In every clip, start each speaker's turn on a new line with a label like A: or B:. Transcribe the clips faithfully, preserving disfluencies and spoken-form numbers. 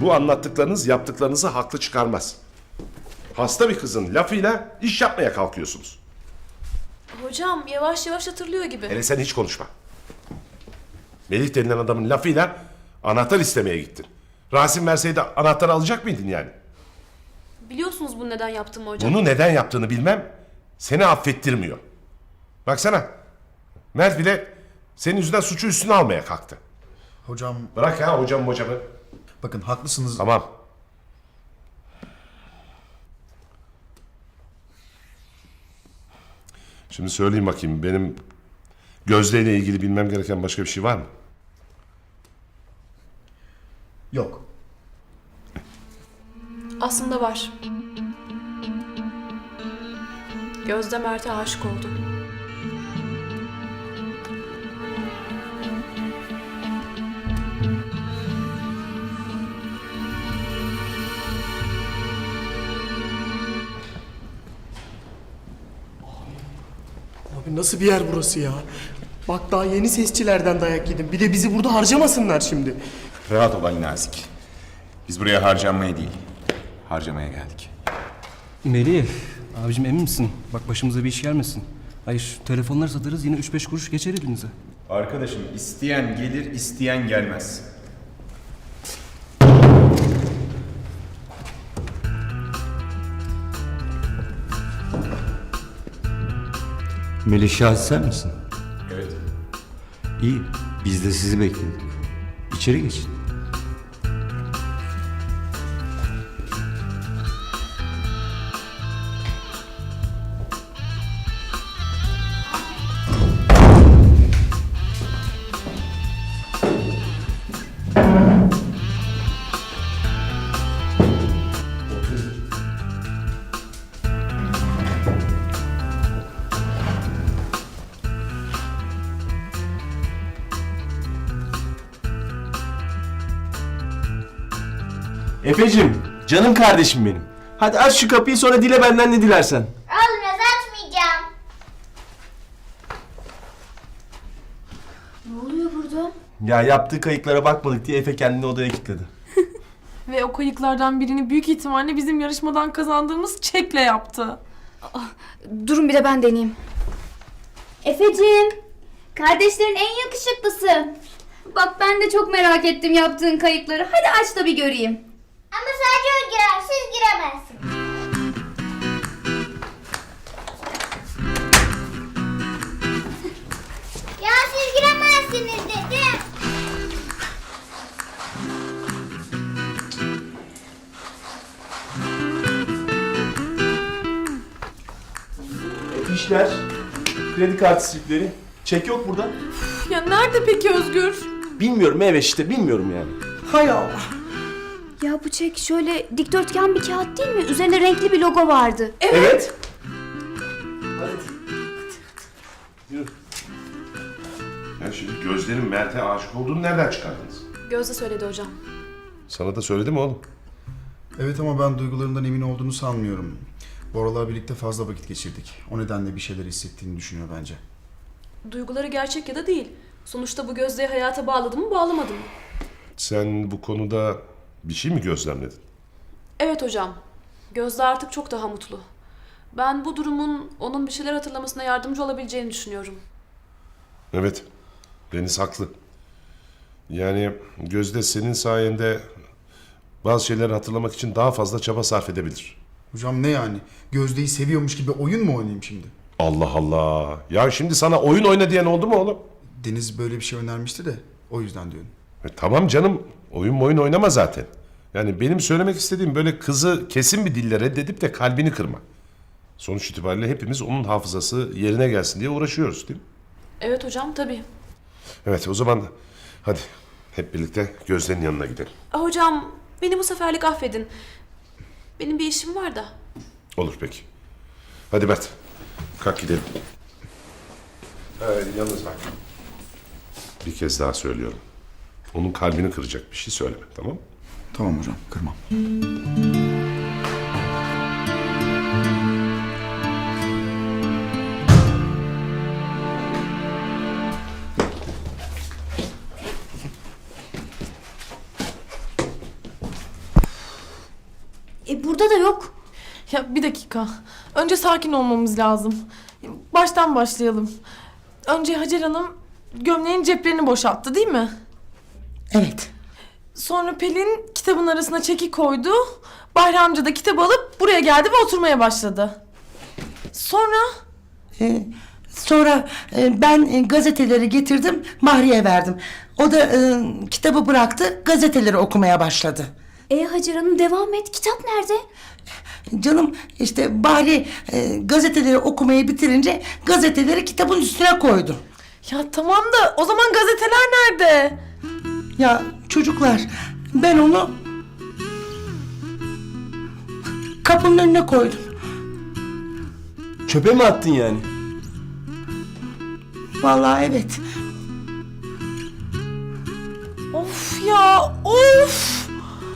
A: Bu anlattıklarınız yaptıklarınızı haklı çıkarmaz. Hasta bir kızın lafıyla iş yapmaya kalkıyorsunuz.
B: Hocam yavaş yavaş hatırlıyor gibi.
A: Hele sen hiç konuşma. Melih denilen adamın lafıyla anahtar istemeye gittin. Rasim verseydi anahtarı alacak mıydın yani?
B: Biliyorsunuz bunu neden yaptığımı hocam.
A: Bunu neden yaptığını bilmem seni affettirmiyor. Baksana, Mert bile senin yüzünden suçu üstüne almaya kalktı.
C: Hocam
A: Bırak ya hocam hocamı.
C: bakın haklısınız.
A: Tamam. Şimdi söyleyeyim bakayım, benim Gözde ile ilgili bilmem gereken başka bir şey var mı?
C: Yok.
B: Aslında var. Gözde Mert'e aşık oldu.
D: Abi nasıl bir yer burası ya? Bak daha yeni sesçilerden dayak yedim. Bir de bizi burada harcamasınlar şimdi.
E: Rahat ol Ali Nazik. Biz buraya harcanmaya değil, harcamaya geldik.
F: Melih, abicim emin misin? Bak başımıza bir iş gelmesin. Hayır, şu telefonları satarız yine üç beş kuruş geçer elinize.
E: Arkadaşım isteyen gelir, isteyen gelmez.
G: Melih Şahit sen misin?
E: Evet.
G: İyi, biz de sizi bekledik. İçeri geçin.
H: Efeciğim, canım kardeşim benim. Hadi aç şu kapıyı sonra dile benden ne dilersen.
I: Olmaz, açmayacağım. Ne oluyor burada?
H: Ya yaptığı kayıklara bakmadık diye Efe kendini odaya kilitledi.
J: Ve o kayıklardan birini büyük ihtimalle bizim yarışmadan kazandığımız çekle yaptı.
I: Durun bir de ben deneyeyim. Efeciğim, kardeşlerin en yakışıklısı. Bak ben de çok merak ettim yaptığın kayıkları. Hadi aç da bir göreyim. Ama sadece o girer, siz giremezsiniz. Ya siz giremezsiniz dedim.
H: Fişler, kredi kartı slipleri. Çek yok burada.
J: Ya nerede peki Özgür?
H: Bilmiyorum evet işte bilmiyorum yani.
D: Hay Allah.
I: Ya bu çek şöyle dikdörtgen bir kağıt değil mi? Üzerinde renkli bir logo vardı.
H: Evet. Hadi. Yürü.
A: Ya şimdi Gözde'nin Mert'e aşık olduğunu nereden çıkardınız?
B: Gözde söyledi hocam.
A: Sana da söyledi mi oğlum?
C: Evet ama ben duygularından emin olduğunu sanmıyorum. Bora'la birlikte fazla vakit geçirdik. O nedenle bir şeyler hissettiğini düşünüyor bence.
B: Duyguları gerçek ya da değil. Sonuçta bu Gözde'yi hayata bağladı mı bağlamadı mı?
A: Sen bu konuda bir şey mi gözlemledin?
B: Evet hocam. Gözde artık çok daha mutlu. Ben bu durumun onun bir şeyler hatırlamasına yardımcı olabileceğini düşünüyorum.
A: Evet, Deniz haklı. Yani Gözde senin sayende bazı şeyleri hatırlamak için daha fazla çaba sarf edebilir.
C: Hocam ne yani? Gözde'yi seviyormuş gibi oyun mu oynayayım şimdi?
A: Allah Allah. Ya şimdi sana oyun oyna diyen oldu mu oğlum?
C: Deniz böyle bir şey önermişti de o yüzden diyorum.
A: E, tamam canım. Oyun oyun oynama zaten. Yani benim söylemek istediğim böyle kızı kesin bir dille reddedip de kalbini kırma. Sonuç itibariyle hepimiz onun hafızası yerine gelsin diye uğraşıyoruz değil mi?
B: Evet hocam tabii.
A: Evet o zaman hadi hep birlikte Gözde'nin yanına gidelim.
B: Ah, hocam beni bu seferlik affedin. Benim bir işim var da.
A: Olur peki. Hadi Mert. Kalk gidelim. Ee, yalnız bak. Bir kez daha söylüyorum. Onun kalbini kıracak bir şey söyleme, tamam mı?
C: Tamam hocam, kırmam.
I: E burada da yok.
J: Ya bir dakika. Önce sakin olmamız lazım. Baştan başlayalım. Önce Hacer Hanım gömleğin ceplerini boşalttı değil mi?
K: Evet.
J: Sonra Pelin kitabın arasına çeki koydu. Bahri amca da kitabı alıp buraya geldi ve oturmaya başladı. Sonra...
K: Ee, sonra e, ben e, gazeteleri getirdim, Mahri'ye verdim. O da e, kitabı bıraktı, gazeteleri okumaya başladı.
I: E Hacer Hanım devam et. Kitap nerede?
K: Canım işte Bahri e, gazeteleri okumayı bitirince gazeteleri kitabın üstüne koydu.
J: Ya tamam da o zaman gazeteler nerede?
K: Ya çocuklar, ben onu kapının önüne koydum.
H: Çöpe mi attın yani?
K: Vallahi evet.
J: Of ya of!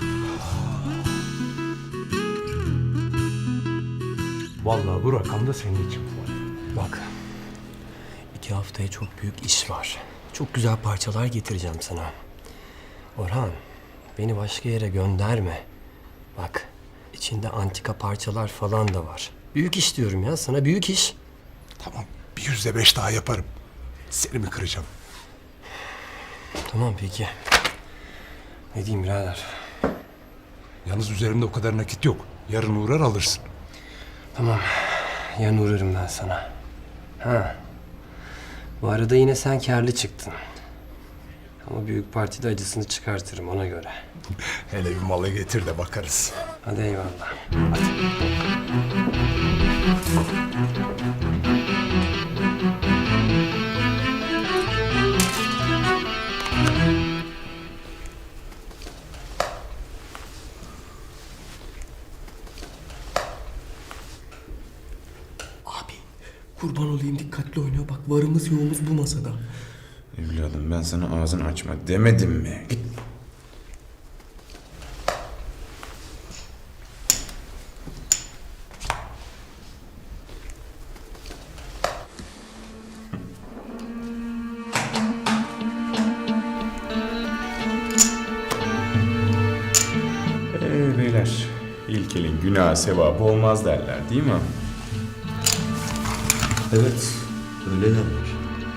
L: Vallahi bu rakam da senin için var.
F: Bak. İki haftaya çok büyük iş var. Çok güzel parçalar getireceğim sana. Orhan, beni başka yere gönderme. Bak, içinde antika parçalar falan da var. Büyük iş diyorum ya sana, büyük iş.
L: Tamam, bir yüzde beş daha yaparım. Seni mi kıracağım?
F: Tamam peki. Ne diyeyim birader?
L: Yalnız üzerimde o kadar nakit yok. Yarın uğrar alırsın.
F: Tamam, yarın uğrarım ben sana. Ha. Bu arada yine sen kârlı çıktın. Ama büyük partide acısını çıkartırım ona göre.
L: Hele bir malı getir de bakarız.
F: Hadi eyvallah.
D: Abi kurban olayım dikkatli oynuyor. Bak varımız yoğumuz bu masada.
E: Evladım ben sana ağzını açma demedim mi? Git. Ee beyler, ilk elin günah sevabı olmaz derler değil mi?
G: Evet, öyle derler.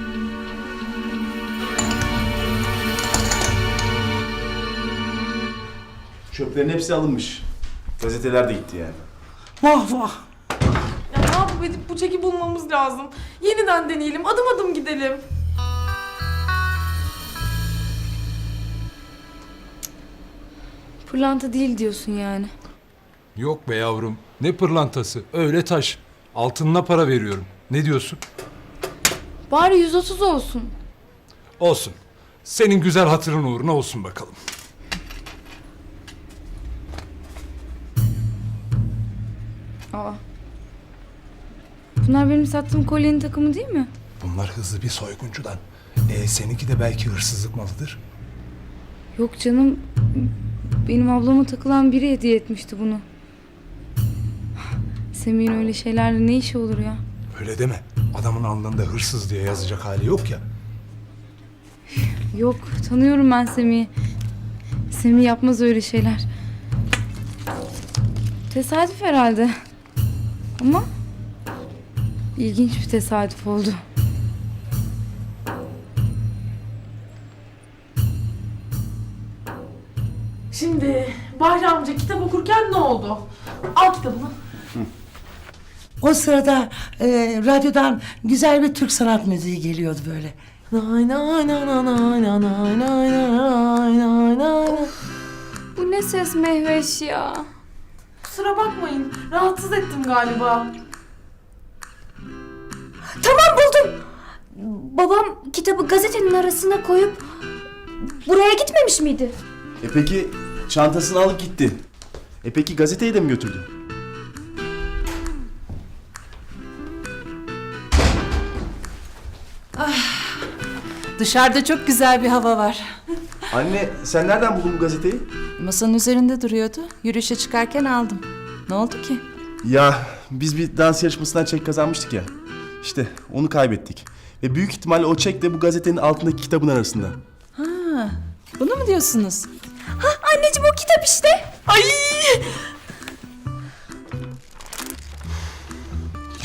H: Çöplerin hepsi alınmış. Gazeteler de gitti yani.
K: Vah vah.
J: Ya ne yapıp edip bu çeki bulmamız lazım. Yeniden deneyelim, adım adım gidelim.
I: Pırlanta değil diyorsun yani.
L: Yok be yavrum. Ne pırlantası? Öyle taş. Altınına para veriyorum. Ne diyorsun?
I: Bari yüz otuz olsun.
L: Olsun. Senin güzel hatırın uğruna olsun bakalım.
I: Aa. Bunlar benim sattığım kolyenin takımı değil mi?
L: Bunlar hızlı bir soyguncudan. E, seninki de belki hırsızlık malıdır.
I: Yok canım. Benim ablama takılan biri hediye etmişti bunu. Semih'in öyle şeylerle ne işi olur ya?
L: Öyle deme. Adamın alnında hırsız diye yazacak hali yok ya.
I: Yok, tanıyorum ben Semih'i. Semih yapmaz öyle şeyler. Tesadüf herhalde. Ama ilginç bir tesadüf oldu.
J: Şimdi Bahri amca kitap okurken ne oldu? Al kitabını.
K: O sırada e, radyodan güzel bir Türk sanat müziği geliyordu böyle.
J: Nay nay nay nay nay nay nay nay nay nay nay.
I: Bu ne ses Mehveş ya?
J: Kusura bakmayın, rahatsız ettim galiba.
I: Tamam buldum. Babam kitabı gazetenin arasına koyup buraya gitmemiş miydi?
H: E peki çantasını alıp gitti. E peki gazeteyi de mi götürdü?
M: Dışarıda çok güzel bir hava var.
H: Anne sen nereden buldun bu gazeteyi?
M: Masanın üzerinde duruyordu. Yürüyüşe çıkarken aldım. Ne oldu ki?
H: Ya biz bir dans yarışmasından çek kazanmıştık ya. İşte onu kaybettik. Ve büyük ihtimalle o çek de bu gazetenin altındaki kitabın arasında.
M: Ha, bunu mu diyorsunuz?
I: Ha anneciğim o kitap işte.
J: Ay!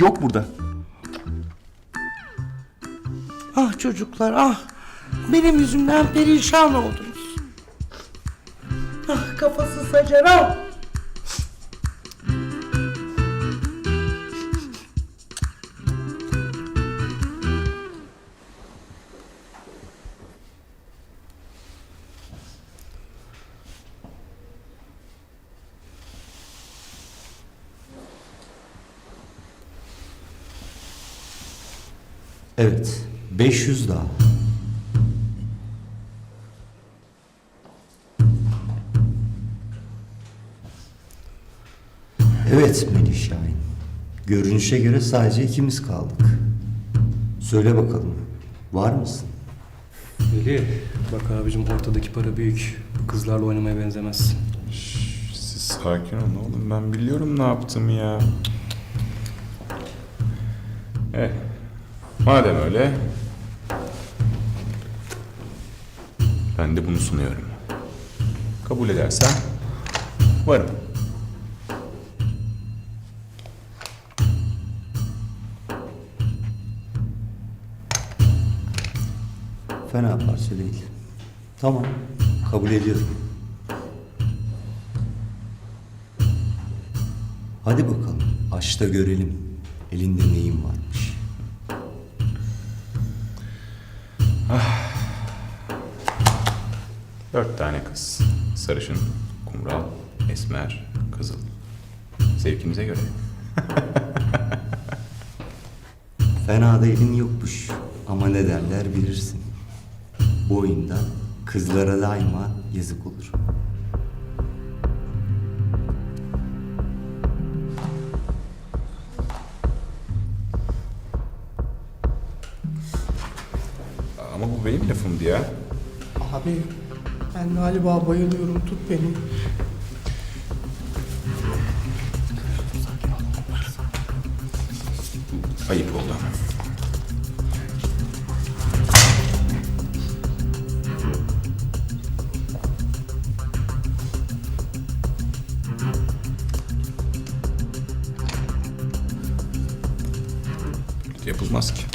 H: Yok burada.
K: Ah çocuklar ah. Benim yüzümden perişan oldunuz. Ah kafasız Hacer ah.
G: Evet, beş yüz daha. Evet Melih Şahin. Görünüşe göre sadece ikimiz kaldık. Söyle bakalım, var mısın?
F: Melih, bak abicim ortadaki para büyük. Bu kızlarla oynamaya benzemez.
E: Siz sakin olun oğlum. Ben biliyorum ne yaptım ya. Eh, madem öyle, ben de bunu sunuyorum. Kabul edersen varım.
G: Fena parça değil. Tamam, kabul ediyorum. Hadi bakalım, aç da görelim. Elinde neyin varmış?
E: Dört tane kız. Sarışın, kumral, esmer, kızıl. Zevkimize göre.
G: Fena da elin yokmuş. Ama ne derler bilirsin. Bu oyunda kızlara daima yazık olur.
E: Ama bu benim lafımdı ya.
D: Abi ben galiba bayılıyorum. Tut beni.
E: Ayıp oldu ama. Yapılmaz ki.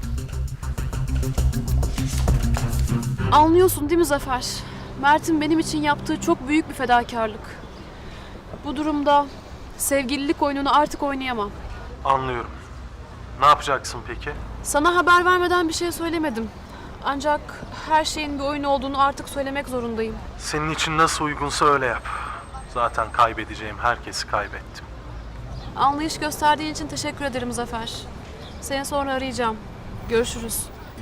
B: Anlıyorsun değil mi Zafer? Mert'in benim için yaptığı çok büyük bir fedakarlık. Bu durumda sevgililik oyununu artık oynayamam.
N: Anlıyorum. Ne yapacaksın peki?
B: Sana haber vermeden bir şey söylemedim. Ancak her şeyin bir oyun olduğunu artık söylemek zorundayım.
N: Senin için nasıl uygunsa öyle yap. Zaten kaybedeceğim herkesi kaybettim.
B: Anlayış gösterdiğin için teşekkür ederim Zafer. Seni sonra arayacağım. Görüşürüz.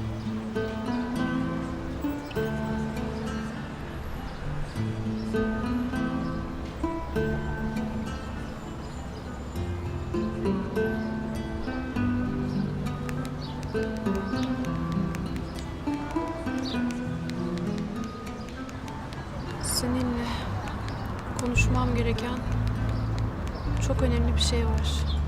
B: Seninle konuşmam gereken çok önemli bir şey var.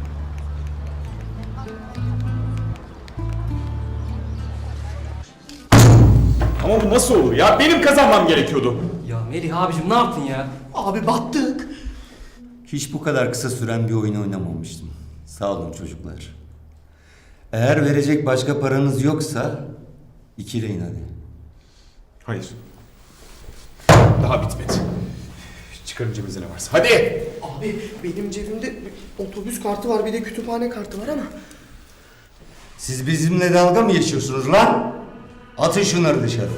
H: Ama bu nasıl olur ya? Benim kazanmam gerekiyordu.
F: Ya Melih abicim ne yaptın ya?
D: Abi battık.
G: Hiç bu kadar kısa süren bir oyun oynamamıştım. Sağ olun çocuklar. Eğer verecek başka paranız yoksa ikileyin hadi.
H: Hayır. Daha bitmedi. Çıkarın cebinizde ne varsa. Hadi!
D: Abi benim cebimde otobüs kartı var bir de kütüphane kartı var ama.
G: Siz bizimle dalga mı geçiyorsunuz lan? Atın şunları dışarı.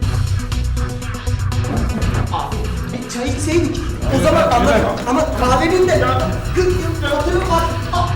D: Abi e, çay içseydik o zaman anlarım ama kahvenin de kırk yıl hatırı var. Ah!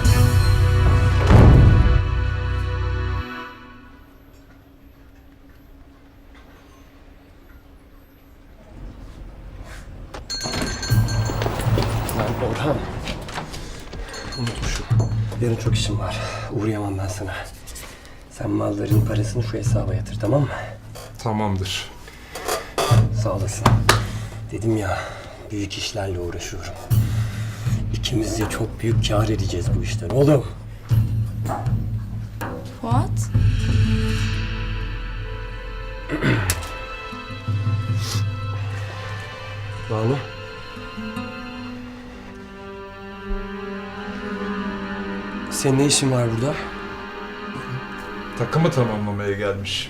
F: Lan Orhan. Unutmuşum. Yarın çok işim var. Uğrayamam ben sana. Sen malların parasını şu hesaba yatır, tamam mı?
L: Tamamdır.
F: Sağ olasın. Dedim ya, büyük işlerle uğraşıyorum. İkimiz de çok büyük kâr edeceğiz bu işten oğlum.
M: Fuat?
F: Senin ne işin var burada?
L: Takımı tamamlamaya gelmiş.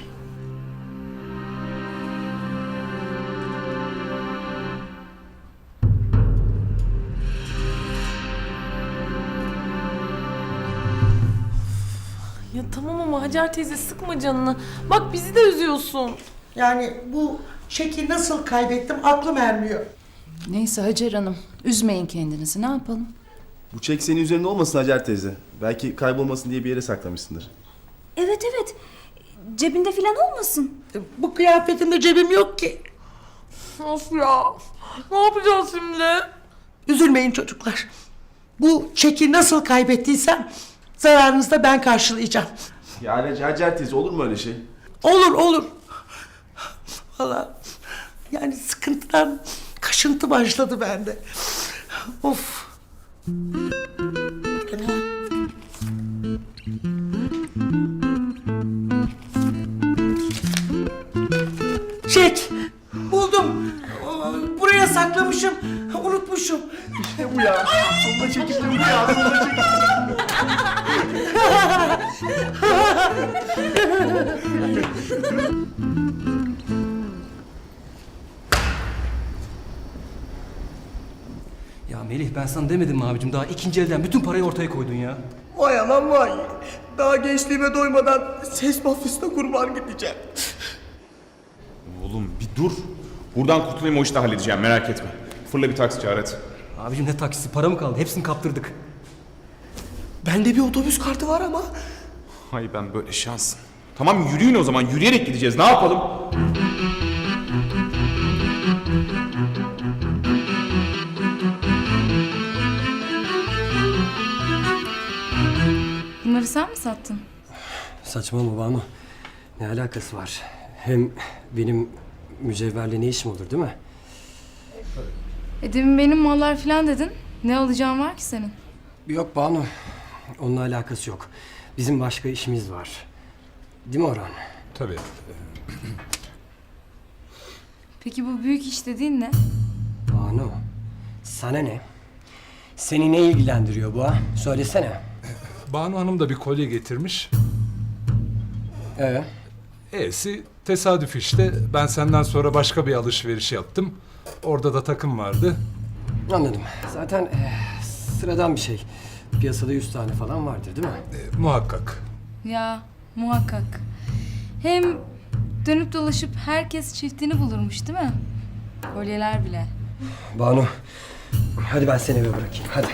J: Ya tamam ama Hacer teyze sıkma canını. Bak bizi de üzüyorsun.
K: Yani bu çeki nasıl kaybettim aklım ermiyor.
M: Neyse Hacer Hanım, üzmeyin kendinizi. Ne yapalım?
H: Bu çek senin üzerinde olmasın Hacer teyze. Belki kaybolmasın diye bir yere saklamışsındır.
I: Evet evet. Cebinde falan olmasın.
K: Bu kıyafetimde cebim yok ki.
J: Of ya. Ne yapacağız şimdi?
K: Üzülmeyin çocuklar. Bu çeki nasıl kaybettiysem zararınızı da ben karşılayacağım.
H: Yani Hacer teyze olur mu öyle şey?
K: Olur olur. Vallahi yani sıkıntıdan kaşıntı başladı bende. Of. Çek. Buldum. Buraya saklamışım. Unutmuşum.
H: İşte bu ya. Sonunda çekildim bu ya. Sonunda çekildim.
F: Ya Melih ben sana demedim mi abicim? Daha ikinci elden bütün parayı ortaya koydun ya.
D: Vay anam vay. Daha gençliğime doymadan ses mafyasına kurban gideceğim.
E: Oğlum bir dur. Buradan kurtulayım, o işi de halledeceğim, merak etme. Fırla bir taksi çağır hadi.
F: Abicim ne taksisi, para mı kaldı? Hepsini kaptırdık.
D: Bende bir otobüs kartı var ama.
E: Hay ben böyle şansım. Tamam yürüyün o zaman, yürüyerek gideceğiz, ne yapalım?
M: Bunları sen mi sattın?
F: Saçmalama Banu. Ne alakası var? Hem benim mücevherle ne işim olur değil mi?
M: E demin benim mallar falan dedin. Ne alacağın var ki senin?
F: Yok Banu. Onunla alakası yok. Bizim başka işimiz var. Değil mi Orhan?
L: Tabii.
M: Peki bu büyük iş dediğin ne?
F: Banu. Sana ne? Seni ne ilgilendiriyor bu ha? Söylesene.
L: Banu Hanım da bir kolye getirmiş.
F: Ee?
L: E'si tesadüf işte. Ben senden sonra başka bir alışveriş yaptım. Orada da takım vardı.
F: Anladım. Zaten e, sıradan bir şey. Piyasada yüz tane falan vardır değil mi?
L: E, muhakkak.
M: Ya muhakkak. Hem dönüp dolaşıp herkes çiftini bulurmuş değil mi? Kolyeler bile.
F: Banu. Hadi ben seni eve bırakayım. Hadi.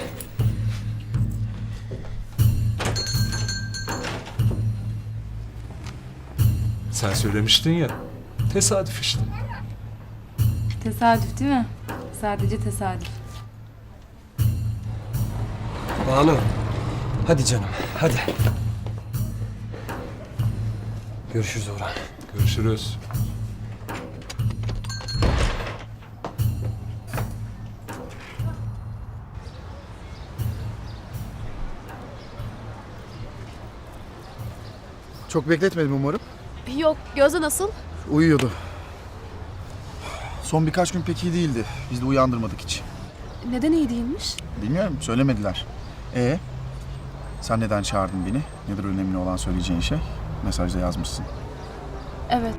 L: Sen söylemiştin ya. Tesadüf işte.
M: Tesadüf değil mi? Sadece tesadüf.
F: Banu. Hadi canım. Hadi. Görüşürüz Orhan.
L: Görüşürüz.
C: Çok bekletmedim umarım.
B: Yok, Gözde nasıl?
C: Uyuyordu. Son birkaç gün pek iyi değildi. Biz de uyandırmadık hiç.
B: Neden iyi değilmiş?
C: Bilmiyorum, söylemediler. Ee, sen neden çağırdın beni? Nedir önemli olan söyleyeceğin şey? Mesajda yazmışsın.
B: Evet.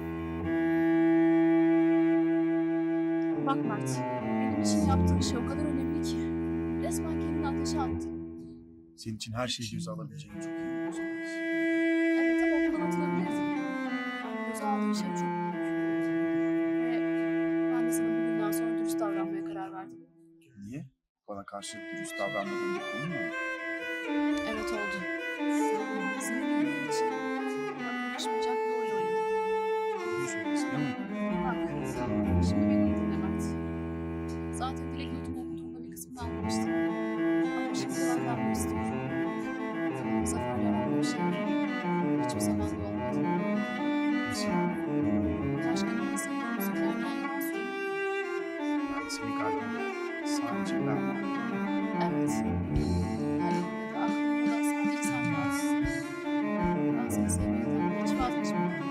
B: Bak Mert, benim için yaptığın şey o kadar önemli ki. Resmen kendini ateşe attın.
C: Senin için her şeyi göze alabileceğini çok iyi biliyorsun.
B: Evet ama okuldan atılabilirdin. Göze aldığın şey çok büyük. Ve ben de sana bugünden sonra dürüst davranmaya karar verdim.
C: Niye? Bana karşı dürüst davranmadığın bir konu mu?
B: Evet oldu. Seni bildiğin için bana yakışmayacak bir oyun oynadım.
C: Biliyorsun değil mi?
B: Bak, şimdi beni iyi dinle Mert. Zaten Dilek notumu okuduğumda bir kısmını anlamıştım. Ama şimdi cevaplanmak istiyorum. Bu sefer yalan bir şey. Hiçbir zaman da olmadı.
C: Nasıl yani?
B: Başka birine sevdiğimi söylerken yalan söyledim.
C: Yani senin kalbinde sadece ben varım.
B: Evet. Hayalinde de aklında da sadece sen varsın. Ben seni sevmekten hiç vazgeçmedim.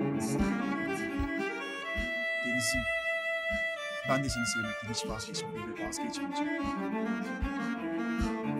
C: Deniz'im, ben de seni sevmekten hiç vazgeçmedim ve vazgeçmeyeceğim.